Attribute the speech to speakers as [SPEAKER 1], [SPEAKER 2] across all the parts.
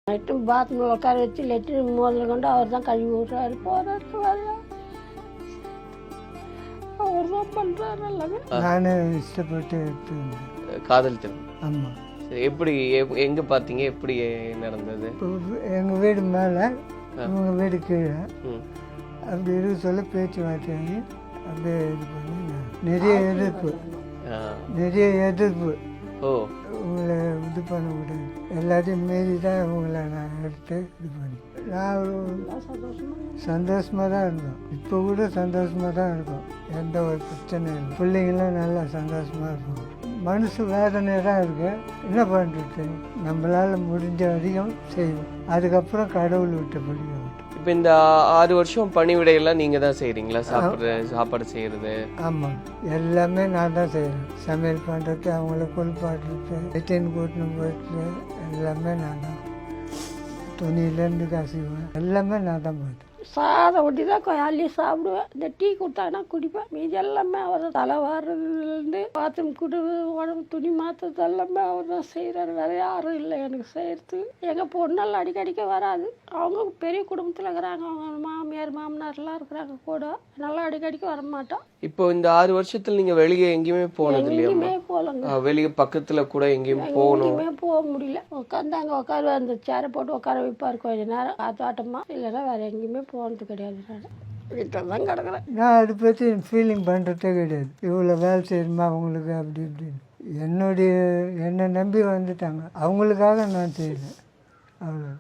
[SPEAKER 1] Latrine பாத்ரூமில் உட்கார வச்சு லெட்ரின் முதல்ல கொண்டு அவர் தான் கழுவி விட்றாரு, போறாரு வர்றாரு. அவர் தான் பண்ணுறாரு எல்லாமே.
[SPEAKER 2] நானே இஷ்டப்பட்டு எடுத்து
[SPEAKER 3] காதல் திருமணம்.
[SPEAKER 2] ஆமாம்.
[SPEAKER 3] சரி, எப்படி எங்கே பார்த்தீங்க, எப்படி நடந்தது?
[SPEAKER 2] இப்போ எங்கள் வீடு மேலே இவங்க வீடு கீழே அப்படி இருக்க சொல்ல பேச்சு வார்த்தையாகி அப்படியே இது பண்ணி நிறைய எதிர்ப்பு
[SPEAKER 3] ஓ,
[SPEAKER 2] உங்களை இது பண்ண விடாது, எல்லாத்தையும் மீறி தான் உங்களை நான் எடுத்து இது பண்ணி நான் சந்தோஷமாக தான் இருந்தோம். இப்போ கூட சந்தோஷமாக தான் இருக்கும், எந்த ஒரு பிரச்சனையும் இல்லை. பிள்ளைங்களும் நல்லா சந்தோஷமாக இருக்கும். மனசு வேதனையாக தான் இருக்கு, என்ன பண்ணுறது, நம்மளால் முடிஞ்ச வரைக்கும் செய்வோம். அதுக்கப்புறம் கடவுள் விட்ட படியும்.
[SPEAKER 3] இப்போ இந்த 6 வருஷம் பணிவிடையெல்லாம் நீங்கள் தான் செய்கிறீங்களா? சாப்பாடு செய்கிறது?
[SPEAKER 2] ஆமாம், எல்லாமே நான் தான் செய்கிறேன். சமையல் பண்ணுறது, அவங்கள குளிப்பாட்டுறது, வெட்டின்னு கூட்டணும் போயிட்டு எல்லாமே நான் தான். துணியிலேருந்து கசிவேன், எல்லாமே நான் தான் போயிட்டேன்.
[SPEAKER 1] சாதம் ஒட்டி தான் அள்ளி சாப்பிடுவேன். இந்த டீ கொடுத்தாங்கன்னா குடிப்பேன். மீதி எல்லாமே அவர் தலை வாடுறதுலேருந்து பாத்ரூம் குடுவு உடம்பு துணி மாற்றுறது எல்லாமே அவர் தான் செய்கிறாரு. வேறு யாரும் இல்லை எனக்கு செய்கிறது. எங்கள் பொண்ணெல்லாம் அடிக்கடிக்க வராது, அவங்க பெரிய குடும்பத்தில் இருக்கிறாங்க. அவங்க மாமியார் மாமனார்லாம் இருக்கிறாங்க கூட, நல்லா அடிக்கடிக்க வரமாட்டோம்.
[SPEAKER 3] இப்போ இந்த 6 வருஷத்தில் நீங்கள் வெளியே எங்கேயுமே போனது இல்லையா?
[SPEAKER 1] எங்கேயுமே போகலங்க.
[SPEAKER 3] வெளியே பக்கத்தில் கூட எங்கேயும் போகணும்?
[SPEAKER 1] எங்கேயுமே போக முடியல. உட்காந்தாங்க உட்காருவா, அந்த சேரை போட்டு உட்கார வைப்பார் கொஞ்ச நேரம் காத்தாட்டமா. இல்லைன்னா வேறு எங்கேயுமே போனது கிடையாது. நான் வீட்டில் தான் கிடக்குறேன்.
[SPEAKER 2] நான் அதை பற்றி ஃபீலிங் பண்ணுறதே கிடையாது. இவ்வளோ வேலை செய்யணுமா அவங்களுக்கு அப்படி இப்படின்னு என்னை நம்பி வந்துட்டாங்க, அவங்களுக்காக நான் செய்யலை. அவ்வளோ.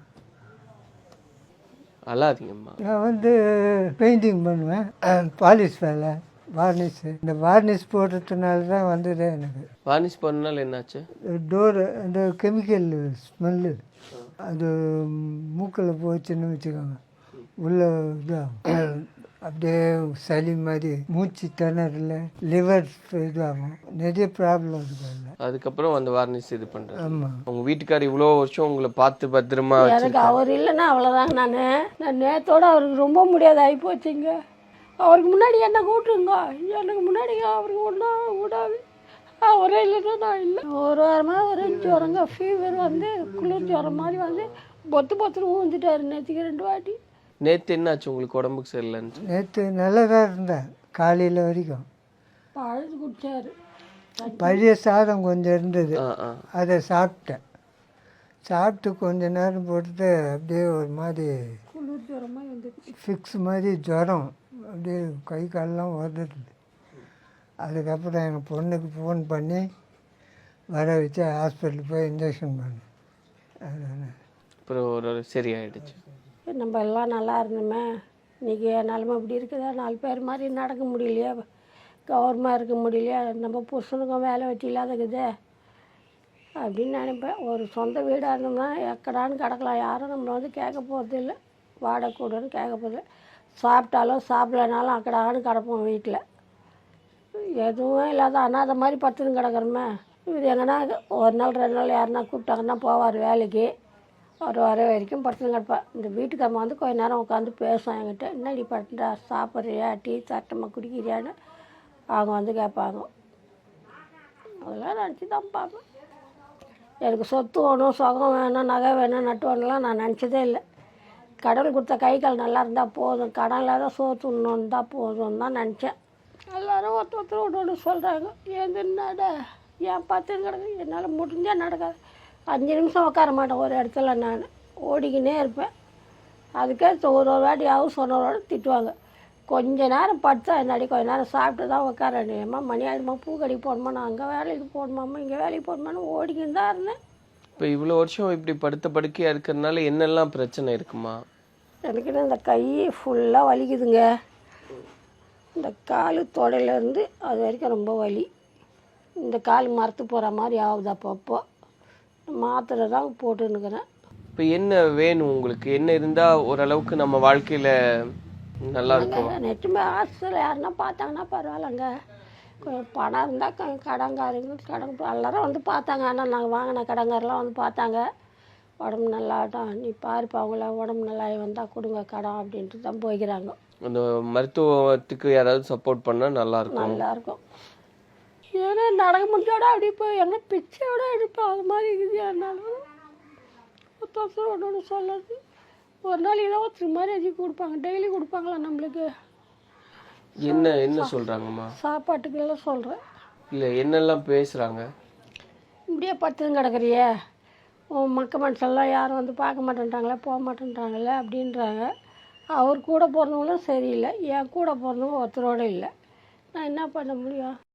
[SPEAKER 3] அல்லாதீங்கம்மா.
[SPEAKER 2] நான் பெயிண்டிங் பண்ணுவேன், பாலிஷ் வேலை, வார்னிஷு. இந்த வார்னிஷ் போடுறதுனால தான் வந்ததே எனக்கு.
[SPEAKER 3] வார்னிஷ் பண்ணனால என்னாச்சு?
[SPEAKER 2] டோரு அந்த கெமிக்கல் ஸ்மெல்லு அது மூக்கில் போச்சுன்னு வச்சுக்கோங்க, உள்ள இதாகும், அப்படியே சளி மாதிரி, மூச்சு திணறல, லிவர் இதாகும், நிறைய ப்ராப்ளம் இருக்குது.
[SPEAKER 3] அதுக்கப்புறம் அந்த வார்னிஷ் இது பண்ணுறேன்.
[SPEAKER 2] ஆமாம்.
[SPEAKER 3] உங்கள் வீட்டுக்கார் இவ்வளோ வருஷம் உங்களை பார்த்து பத்திரமா
[SPEAKER 1] எனக்கு அவர் இல்லைன்னா அவ்வளோதாங்க. நான் நேரத்தோடு அவருக்கு ரொம்ப முடியாது ஆகி போச்சுங்க. அவருக்கு முன்னாடி என்ன கூட்டுருங்க, எனக்கு முன்னாடி அவருக்கு ஒன்றா விடாது. அவரே இல்லைன்னா நான் இல்லை. ஒரு வாரமாக ஒரு ஜுரங்க, ஃபீவர் குளிர் ஜுரம் மாதிரி பொத்துன்னு ஊந்துட்டாரு நேற்றுக்கு 2 வாட்டி.
[SPEAKER 3] நேற்று என்னாச்சு உங்களுக்கு உடம்புக்கு சரியில்லைன்னு?
[SPEAKER 2] நேற்று நல்லா தான் இருந்தேன், காலையில் வரைக்கும்.
[SPEAKER 1] பழுது குடிச்சாரு.
[SPEAKER 2] பழைய சாதம் கொஞ்சம் இருந்தது, அதை சாப்பிட்டேன். சாப்பிட்டு கொஞ்ச நேரம் போட்டுட்டு அப்படியே ஒரு மாதிரி
[SPEAKER 1] குளிர் ஜுரமாக வந்துடுச்சு,
[SPEAKER 2] ஃபிக்ஸ் மாதிரி ஜுரம், அப்படியே கை காலெலாம் உதறது. அதுக்கப்புறம் எங்கள் பொண்ணுக்கு ஃபோன் பண்ணி வர வச்சு ஹாஸ்பிட்டலுக்கு போய் இன்ஜெக்ஷன் பண்ணேன். அதுதானே
[SPEAKER 3] அப்புறம் ஒரு சரியாயிடுச்சு.
[SPEAKER 1] நம்ம எல்லாம் நல்லா இருந்தோமே, இன்றைக்கி என் நிலமை இப்படி இருக்குதா, 4 பேர் மாதிரி நடக்க முடியலையா, கௌரவமாக இருக்க முடியலையா, நம்ம புருஷனுக்கும் வேலை வெட்டி இல்லாதக்குதே அப்படின்னு நினைப்பேன். ஒரு சொந்த வீடாக இருந்தோம்னா எக்கடான்னு கிடக்கலாம், யாரும் நம்மளை கேட்க போகிறது இல்லை, வாடகை கூடன்னு கேட்க போகிறது. சாப்பிட்டாலும் சாப்பிடலனாலும் அக்கடான்னு கிடப்போம் வீட்டில், எதுவும் இல்லாத அனாதை மாதிரி படுத்துன்னு கிடக்குறோமே. இது எங்கன்னா ஒரு நாள் 2 நாள் யாருன்னா கூப்பிட்டாங்கன்னா போவார் வேலைக்கு, அவர் வர வரைக்கும் படுத்துன்னு கிடப்பேன். இந்த வீட்டுக்காரம்மா கொஞ்ச நேரம் உட்காந்து பேசும் என்கிட்ட, என்னடி படுத்துட்டா, சாப்பிட்றியா, டீ சட்டமாக குடிக்கிறியான்னு அவங்க கேட்பாங்க. அதெல்லாம் நினச்சி தான் பார்ப்பேன். எனக்கு சொத்து வேணும், சுகம் வேணும், நகை வேணும், நட்டு வேணும்லாம் நான் நினச்சதே இல்லை. கடவுள் கொடுத்த கை கால் நல்லா இருந்தால் போதும், கடன் இல்லாத சோத்து ஒன்று தான் போதும்னு தான் நினச்சேன். எல்லோரும் ஒருத்தர் ஒன்று சொல்கிறாங்க, என்னட ஏன் பார்த்துன்னு கிடக்கு, என்னால் முடிஞ்சால் நடக்காது. 5 நிமிஷம் உட்கார மாட்டேன் ஒரு இடத்துல, நான் ஓடிக்கினே இருப்பேன். அதுக்கே ஒரு வாட்டி ஹவுஸ் ஓனரோட திட்டுவாங்க, கொஞ்ச நேரம் படுத்தா என்னாடி, கொஞ்ச நேரம் சாப்பிட்டு தான் உட்காரேம்மா, மணி ஆகிடுமா, பூக்கடிக்கு போகணுமா, நான் அங்கே வேலைக்கு போகணுமாம்மா, இங்கே வேலைக்கு போகணுமான்னு ஓடிக்கின்னு தான் இருந்தேன்.
[SPEAKER 3] இப்போ இவ்வளோ வருஷம் இப்படி படுத்த படுக்கையாக இருக்கிறதுனால என்னெல்லாம் பிரச்சனை இருக்குமா?
[SPEAKER 1] எனக்கு இந்த கை ஃபுல்லாக வலிக்குதுங்க, இந்த கால் தொடையிலேருந்து அது வரைக்கும் ரொம்ப வலி. இந்த கால் மரத்து போகிற மாதிரி ஆகுது, அப்பப்போ மாத்திரை தான் போட்டுன்னுக்கிறேன்.
[SPEAKER 3] இப்போ என்ன வேணும் உங்களுக்கு? என்ன இருந்தால் ஓரளவுக்கு நம்ம வாழ்க்கையில் நல்லா இருக்கும்?
[SPEAKER 1] நெட்டுமே ஹாஸ்டலில் யாருன்னா பார்த்தாங்கன்னா பரவாயில்லைங்க, கொஞ்சம் பணம் இருந்தால் கடங்காரங்க எல்லாரும் பார்த்தாங்க. ஆனால் நாங்கள் வாங்கின கடங்காரெலாம் பார்த்தாங்க, உடம்பு நல்லாட்டம், நீ பாருப்பா அவங்கள உடம்பு நல்லா வந்தால் கொடுங்க கடன் அப்படின்ட்டு தான் போய்க்கிறாங்க.
[SPEAKER 3] அந்த மருத்துவத்துக்கு யாராவது சப்போர்ட் பண்ணால் நல்லாயிருக்கும்.
[SPEAKER 1] ஏன்னா நடக்க முடிஞ்சோட அப்படி போய் எங்கே பிச்சையோட எடுப்போம், அது மாதிரி இருக்குது. என்னாலும் ஒன்று சொல்லுறது. ஒரு நாள் ஏதோ ஒரு மரியாதை கொடுப்பாங்க, டெய்லி கொடுப்பாங்களா நம்மளுக்கு?
[SPEAKER 3] என்ன என்ன சொல்கிறாங்கம்மா?
[SPEAKER 1] சாப்பாட்டுக்கெல்லாம் சொல்கிறேன்.
[SPEAKER 3] இல்லை என்னெல்லாம் பேசுகிறாங்க?
[SPEAKER 1] இப்படியே படுத்துன்னு கிடக்குறியே, உன் மனுஷெல்லாம் யாரும் வந்து பார்க்க மாட்டேன்ட்டாங்களே, போக மாட்டேன்ட்டாங்களே அப்படின்றாங்க. அவர் கூட பிறந்தவங்களும் சரியில்லை, என் கூட பிறந்தவங்க ஒருத்தரோடு இல்லை. நான் என்ன பண்ண முடியும்?